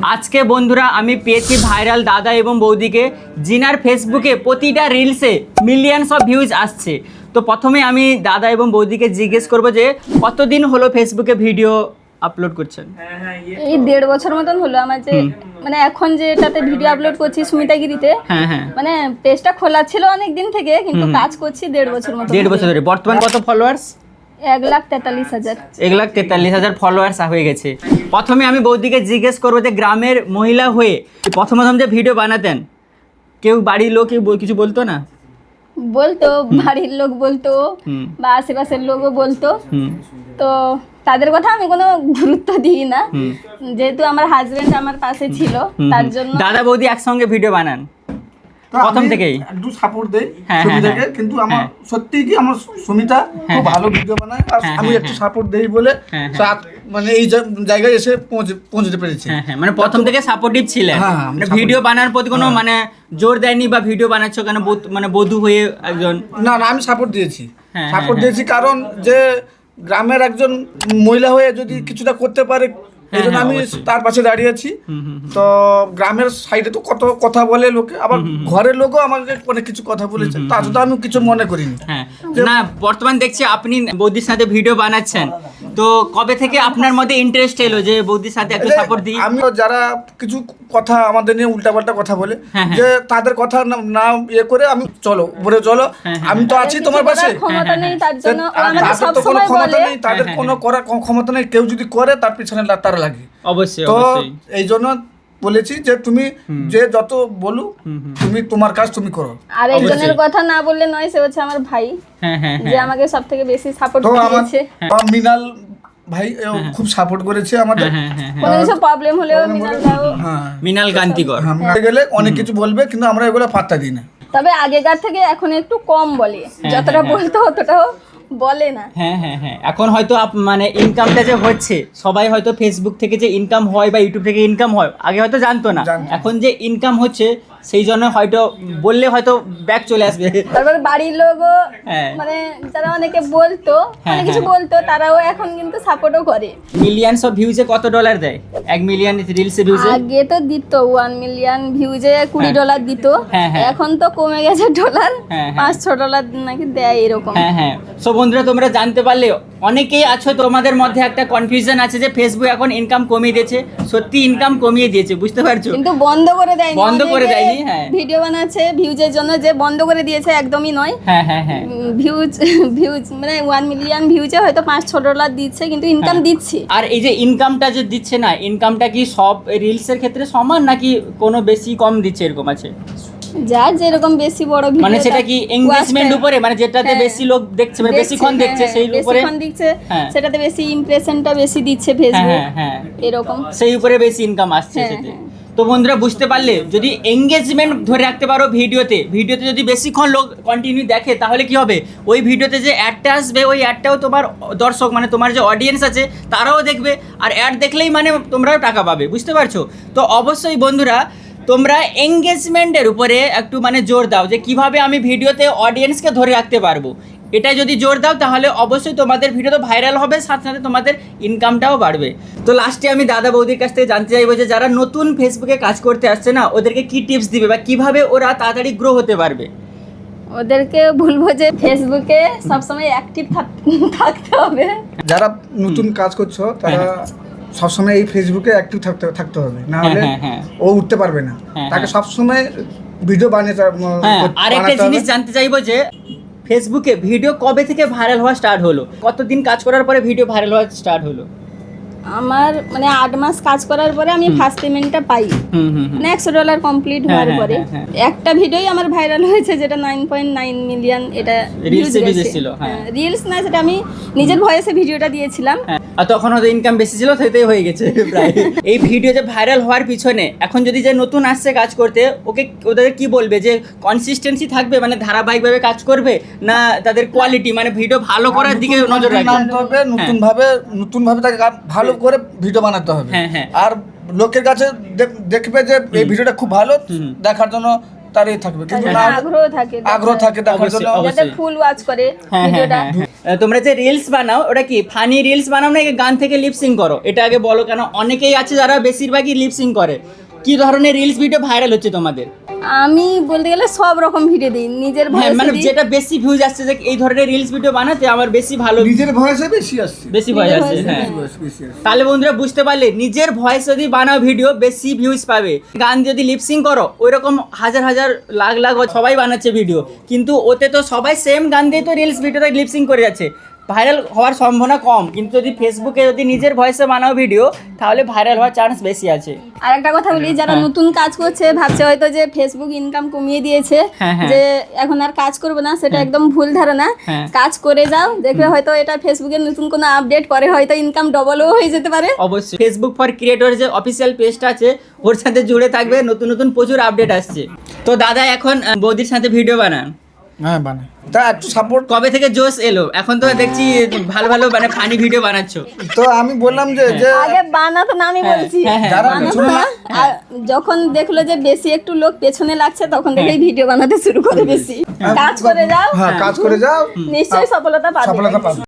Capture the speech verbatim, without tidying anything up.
আজকে বন্ধুরা আমি পেয়েছি ভাইরাল দাদা এবং বৌদিকে, জিনার ফেসবুকে প্রতিটা রিলসে মিলিয়নস অফ ভিউজ আসছে। তো প্রথমে আমি দাদা এবং বৌদিকে জিজ্ঞেস করবো যে কতদিন হলো ফেসবুকে ভিডিও আপলোড করছেন? এই দেড় বছর মতন হলো আমার, যে মানে এখন যেটাতে ভিডিও আপলোড করছি সুমিতাগিরিতে, হ্যাঁ হ্যাঁ মানে পেজটা খোলা ছিল অনেক দিন থেকে, কিন্তু কাজ করছি দেড় বছর মতো। দেড় বছর ধরে। বর্তমান কত ফলোয়ার্স? এক লাখ তেতাল্লিশ হাজার এক লাখ তেতাল্লিশ হাজার ফলোয়ার্স হয়ে গেছে। প্রথমে আমি বৌদিকে জিজ্ঞেস করবো যে গ্রামের মহিলা হয়ে প্রথম প্রথম যে ভিডিও বানাতেন, কেউ বাড়ির লোক কেউ বল- কিছু বলতো না? বলতো, বাড়ির লোক বলতো বা আশেপাশের লোকও বলতো, হুম তো তাদের কথা আমি কোনো গুরুত্ব দিই না, যেহেতু আমার হাজবেন্ড আমার পাশে ছিল তার জন্য। দাদা বৌদি একসঙ্গে ভিডিও বানান প্রথম থেকেই? একটু সাপোর্ট দেই হ্যাঁ, সুমিতাকে, হ্যাঁ, কিন্তু আমার হ্যাঁ। সত্যি কি আমার সুমিতা খুব ভালো ভিডিও বানায়, আর হ্যাঁ, আমি হ্যাঁ, একটু হ্যাঁ। সাপোর্ট দেই বলে হ্যাঁ, সে আজ- মানে এই জা- জায়গায় এসে পৌঁছে পৌঁছতে পেরেছি। হ্যাঁ হ্যাঁ, মানে প্রথম থেকে সাপোর্টিভ ছিলেন, হ্যাঁ, আমি মানে supportive। ভিডিও বানানোর প্রতি কোনো মানে জোর দেয়নি বা ভিডিও বানাচ্ছ কেন বধূ- মানে বধূ হয়ে একজন? না না, আমি সাপোর্ট দিয়েছি, হ্যাঁ, সাপোর্ট হ্যাঁ, দিয়েছি কারণ যে গ্রামের একজন মহিলা হয়ে যদি কিছুটা করতে পারে, এই জন্য হ্যাঁ, আমি অবশ্যই। তার পাশে দাঁড়িয়েছি। তো গ্রামের সাইডে তো কত কথা বলে লোকে, আবার ঘরের লোকও আমাকে অনেক কিছু কথা বলেছে, তা তো আমি কিছু মনে করিনি। হ্যাঁ না, বর্তমান দেখছি আপনি বৌদির সাথে ভিডিও বানাচ্ছেন, তো কবে থেকে আপনার মধ্যে ইন্টারেস্ট এলো যে বৌদির সাথে একটু এই যে সাপোর্ট দিই? আমি যারা কিছু কথা আমাদের নিয়ে উল্টাপাল্টা কথা বলে, হ্যাঁ, হ্যাঁ। যে তাদের কথা না না ইয়ে করে আমি চলো উপরে চলো, হ্যাঁ, হ্যাঁ, আমি তো আছি তোমার কিছু পাশে। করার ক্ষমতা নেই তার যে জন্য ও আর আমাকে তাদের তো কোনো সবসময় ক্ষমতা বলে। নেই, তাদের হ্যাঁ, কোনো করার কোনো ক্ষমতা নেই, কেউ যদি করে তার পিছনে লা- তার লাগে। অবশ্যই তো অবশ্যই। এই জন্য বলেছি যে তুমি যে যত বলুক তুমি তোমার কাজ তুমি করো। আর একজনের অবশ্যই। কথা না বললে নয়, সে হচ্ছে আমার ভাই, হ্যাঁ হ্যাঁ যে হ্যাঁ আমাকে সব থেকে বেশি সাপোর্ট তো আমার করেছে। আমার মিনাল ভাই এও খুব সাপোর্ট করেছে আমাদের। হ্যাঁ, হ্যাঁ, হ্যাঁ। কোনো কিছু প্রবলেম হলেও মিনাল দাও। হ্যাঁ মৃণাল কান্তিকর। হ্যাঁ, মিনাল গেলে অনেক কিছু বলবে, কিন্তু আমরা এগুলো পাত্তা দিই না। তবে আগেকার থেকে এখন একটু কম বলে, যতটা বলতো অতটাও বলে না। হ্যাঁ হ্যাঁ হ্যাঁ, এখন হয়তো আপ- মানে ইনকামটা যে হচ্ছে, সবাই হয়তো ফেসবুক থেকে যে ইনকাম হয় বা ইউটিউব থেকে ইনকাম হয় আগে হয়তো জানতো না, জানতো না। এখন যে ইনকাম হচ্ছে সেই জন্য হয়তো বললে হয়তো ব্যাক চলে আসবে। তারপর বাড়ির লোকও হ্যাঁ। মানে যারা অনেকে বলতো, হ্যাঁ, অনেক কিছু হ্যাঁ। বলতো, তারাও এখন কিন্তু সাপোর্টও করে। মিলিয়নস অফ ভিউজে কত ডলার দেয়? এক মিলিয়ন রিলসে ভিউজে? আগে তো দিত ওয়ান মিলিয়ন ভিউজে কুড়ি হ্যাঁ। ডলার দিত, হ্যাঁ, হ্যাঁ। এখন তো কমে গেছে ডলার, হ্যাঁ, হ্যাঁ। পাঁচ ছ ডলার নাকি দেয় এরকম। হ্যাঁ হ্যাঁ। সো বন্ধুরা তোমরা জানতে পারলে, অনেকেই আছো তোমাদের মধ্যে একটা কনফিউশন আছে যে ফেসবুক এখন ইনকাম কমিয়ে দিয়েছে। সত্যি ইনকাম কমিয়ে দিয়েছে, বুঝতে পারছো? কিন্তু বন্ধ করে দেয়নি, বন্ধ করে অনেকে দেয়নি, হ্যাঁ। ভিডিও বানাচ্ছে ভিউজের জন্য, যে বন্ধ করে দিয়েছে একদমই নয়। হ্যাঁ হ্যাঁ হ্যাঁ ভিউজ ভিউজ মানে ওয়ান মিলিয়ন ভিউজে হয়তো পাঁচ ছ ডলার দিচ্ছে, কিন্তু ইনকাম হ্যাঁ। দিচ্ছে। আর এই যে ইনকামটা যে দিচ্ছে না, ইনকামটা কি সব রিলসের ক্ষেত্রে সমান নাকি কোনো বেশি কম দিচ্ছে এরকম আছে? যার যেরকম বেশি বড় ভিডিও, মানে সেটা কি এঙ্গেজমেন্ট উপরে, মানে যেটাতে হ্যাঁ। বেশি লোক দেখছে মানে বেশিক্ষণ দেখছে সেই উপরে? বেশিক্ষণ দেখছে, হ্যাঁ। সেটাতে বেশি ইমপ্রেশনটা বেশি দিচ্ছে হ্যাঁ ফেসবুক, হ্যাঁ হ্যাঁ, এরকম। সেই উপরে বেশি ইনকাম আসছে হ্যাঁ, সেতে। হ্যাঁ। তো বন্ধুরা বুঝতে পারলে, যদি এঙ্গেজমেন্ট ধরে রাখতে পারো ভিডিওতে, ভিডিওতে যদি বেশিক্ষণ লোক কন্টিনিউ দেখে, তাহলে কি হবে, ওই ভিডিওতে যে অ্যাডটা আসবে ওই অ্যাডটাও তোমার দর্শক মানে তোমার যে অডিয়েন্স আছে তারাও দেখবে, আর অ্যাড দেখলেই মানে তোমরাও টাকা পাবে, বুঝতে পারছো? তো অবশ্যই বন্ধুরা তোমরা এঙ্গেজমেন্টের উপরে একটু মানে জোর দাও, যে কিভাবে আমি ভিডিওতে অডিয়েন্সকে ধরে রাখতে পারবো। এটা যদি জোর দাও তাহলে অবশ্যই তোমাদের ভিডিও তো ভাইরাল হবে, সাথে সাথে তোমাদের ইনকামটাও বাড়বে। তো লাস্টে আমি দাদা বৌদির কাছ থেকে জানতে চাইবো যে যারা নতুন ফেসবুকে কাজ করতে আসছে না, ওদেরকে কি টিপস দিবে বা কিভাবে ওরা তাড়াতাড়ি গ্রো হতে পারবে? ওদেরকে বলবো যে ফেসবুকে সবসময় অ্যাক্টিভ থাকতে হবে। যারা নতুন কাজ করছো তারা সবসময় এই ফেসবুকে অ্যাক্টিভ থাকতে থাকতে হবে, না হলে হ্যাঁ, হ্যাঁ, ও উঠতে পারবে না। হ্যাঁ, তাকে হ্যাঁ। সবসময় ভিডিও বানিয়ে তা- হ্যাঁ, করতে- আর একটা বানাতে জিনিস হবে। জানতে চাইবো যে ফেসবুকে ভিডিও কবে থেকে ভাইরাল হওয়া স্টার্ট হলো? কতদিন কাজ করার পরে ভিডিও ভাইরাল হওয়া স্টার্ট হলো? আমার মানে আট মাস কাজ করার পরে আমি ফার্স্ট পেমেন্টটা পাই, হুম হুম হুম। মানে একশো ডলার কমপ্লিট হওয়ার হ্যাঁ, পরে। হ্যাঁ, একটা ভিডিওই আমার ভাইরাল হয়েছে, যেটা নাইন পয়েন্ট নাইন মিলিয়ন এটা Reels এ ভিউজ ছিল, হ্যাঁ। রিলস না, সেটা আমি নিজের ভয়েসে ভিডিওটা দিয়েছিলাম। হ্যাঁ, আর তখন হয়তো ইনকাম বেশি ছিল, সেটাই হয়ে গেছে প্রায়। এই ভিডিও যে ভাইরাল হওয়ার পিছনে এখন যদি যে নতুন আসছে কাজ করতে, ওকে ওদের কি বলবে যে কনসিস্টেন্সি থাকবে, মানে ধারাবাহিকভাবে কাজ করবে, না তাদের কোয়ালিটি মানে ভিডিও ভালো করার দিকে নতুন নজর content রাখবে? আনতে হবে, নতুন ভাবে নতুন ভাবে তাকে গা- ভালো করে ভিডিও বানাতে হবে। হ্যাঁ, হ্যাঁ। আর লোকের কাছে দেখ- দেখবে যে এই ভিডিওটা খুব ভালো, দেখার জন্য তার এই থাকবে, কিন্তু না হলে আগ্রহ থাকে আগ্রহ থাকে দেখার অবশ্যই, জন্য। অবশ্যই। যাতে ফুল ওয়াচ করে হ্যাঁ হ্যাঁ ভিডিওটা। হ্যাঁ হ্যাঁ। তোমরা যে রিলস বানাও ওটা কি ফানি রিলস বানাও না গান থেকে লিপসিং করো? এটা আগে বলো, কেন অনেকেই আছে যারা বেশিরভাগই লিপসিং করে। কি ধরনের রিলস ভিডিও ভাইরাল হচ্ছে তোমাদের? আমি বলতে গেলে সব রকম ভিডিও দিই, নিজের হ্যাঁ ভয়েস মানে দিই। যেটা বেশি ভিউজ আসছে যে এই ধরনের রিলস ভিডিও বানাতে আমার বেশি ভালো, নিজের ভয়েসে বেশি আসছে, বেশি ভয়েস নিজের আসছে। voice-এ হ্যাঁ voice বেশি আসছে। তাহলে বন্ধুরা বুঝতে পারলে, নিজের ভয়েস যদি বানাও ভিডিও বেশি ভিউজ পাবে। গান যদি লিপসিং করো ওইরকম হাজার হাজার লাখ লাখ সবাই বানাচ্ছে ভিডিও, কিন্তু ওতে তো সবাই সেম গান দিয়ে তো রিলস ভিডিওটা লিপসিং করে যাচ্ছে, ভাইরাল হওয়ার সম্ভাবনা কম। কিন্তু যদি ফেসবুকে যদি নিজের ভয়েসে বানাও ভিডিও তাহলে ভাইরাল হওয়ার চান্স বেশি আছে। আর একটা কথা বলি, যারা হ্যাঁ। নতুন কাজ করছে ভাবছে হয়তো যে ফেসবুক ইনকাম কমিয়ে দিয়েছে, হ্যাঁ, হ্যাঁ। যে এখন আর কাজ করবে না, সেটা একদম ভুল ধারণা। হ্যাঁ। কাজ করে যাও, দেখবে হয়তো এটা ফেসবুকের নতুন কোনো আপডেট পরে হয়তো ইনকাম ডবলও হয়ে যেতে পারে। অবশ্যই ফেসবুক ফর ক্রিয়েটর যে অফিসিয়াল পেজটা আছে ওর সাথে জুড়ে থাকবে, নতুন নতুন প্রচুর আপডেট আসছে। তো দাদা এখন আহ, বৌদির সাথে ভিডিও বানান, হ্যাঁ বানাই, তা একটু সাপোর্ট। কবে থেকে জোশ এলো? এখন তো দেখছি ভালো ভালো মানে ফানি ভিডিও বানাচ্ছো। তো আমি বললাম যে যে আগে বানাতো না, আমি হ্যাঁ, বলছি হ্যাঁ, হ্যাঁ, যারা বানাতো পেছনে না। আর যখন দেখলো যে বেশি একটু লোক পেছনে লাগছে তখন থেকেই ভিডিও বানাতে শুরু করে বেশি। কাজ করে যাও, হ্যাঁ কাজ করে যাও, নিশ্চয়ই সফলতা পাবে। সফলতা পাবে।